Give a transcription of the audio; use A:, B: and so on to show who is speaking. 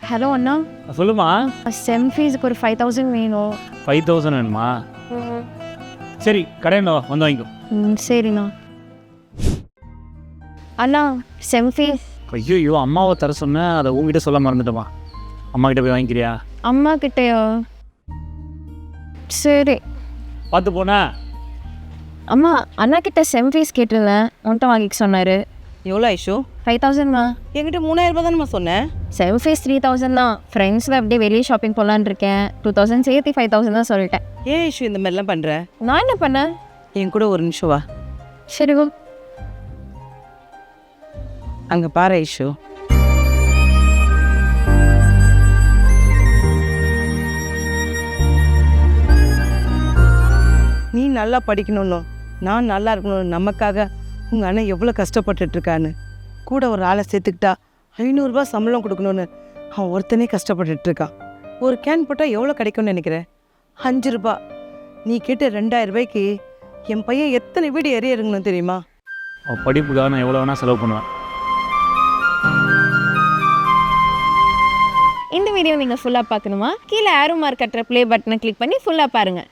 A: Hello அண்ணா,
B: சொல்லுமா.
A: செம் ஃபீஸுக்கு ஒரு 5000 வேணும்.
B: 5000 வேணுமா? சரி கடையில் வந்து வாங்கிக்கோ.
A: சரிண்ணா. அண்ணா, செம் ஃபீஸ்
B: ஐயோ அம்மாவை தர சொன்னேன், அதை உங்ககிட்ட சொல்ல மறந்துட்டோமா. அம்மா கிட்ட போய் வாங்கிக்கிறியா?
A: அம்மா கிட்டேயா? சரி.
B: பார்த்து போனா.
A: அம்மா, அண்ணா கிட்ட செம் ஃபீஸ் கேட்டிருந்தேன், உன்ட்ட வாங்கிக்க சொன்னார்.
C: எவ்வளோ ஐஷோ?
A: 5000மா.
C: என்கிட்ட 3000 ரூபாய் தானேம்மா சொன்னேன்.
A: செம் ஃபீஸ் 3000 தான். ஃப்ரெண்ட்ஸில் அப்படியே வெளியே ஷாப்பிங் போகலான்னு இருக்கேன். 2000 சேர்த்து 5000 தான் சொல்லிட்டேன்.
C: ஏன் ஐஷோ இந்த மாதிரிலாம் பண்ணுற?
A: நான் என்ன பண்ணேன்?
C: என் கூட ஒரு நிமிஷம் வா.
A: சரி வா.
C: அங்கே பாரு ஐஷோ, நீ நல்லா படிக்கணும்னு, நான் நல்லா இருக்கணும், நமக்காக உங்கள் அண்ணன் எவ்வளோ கஷ்டப்பட்டுட்ருக்கான்னு. கூட ஒரு ஆளை சேர்த்துக்கிட்டா 500 ரூபாய் சம்பளம் கொடுக்கணும்னு அவன் ஒருத்தனே கஷ்டப்பட்டுட்ருக்கான். ஒரு கேன் போட்டால் எவ்வளோ கிடைக்கும்னு நினைக்கிறேன்? 5 ரூபா. நீ கேட்ட 2000 ரூபாய்க்கு என் பையன் எத்தனை வீடு எறியறங்கன்னு தெரியுமா?
B: அவள் படிப்புக்காக நான் எவ்வளோ வேணால் செலவு பண்ணுவேன்.
A: இந்த வீடியோ நீங்கள் ஃபுல்லாக பார்க்கணுமா? கீழே ஆரோ மார்க் கட்டுற ப்ளே பட்டனை கிளிக் பண்ணி ஃபுல்லாக பாருங்கள்.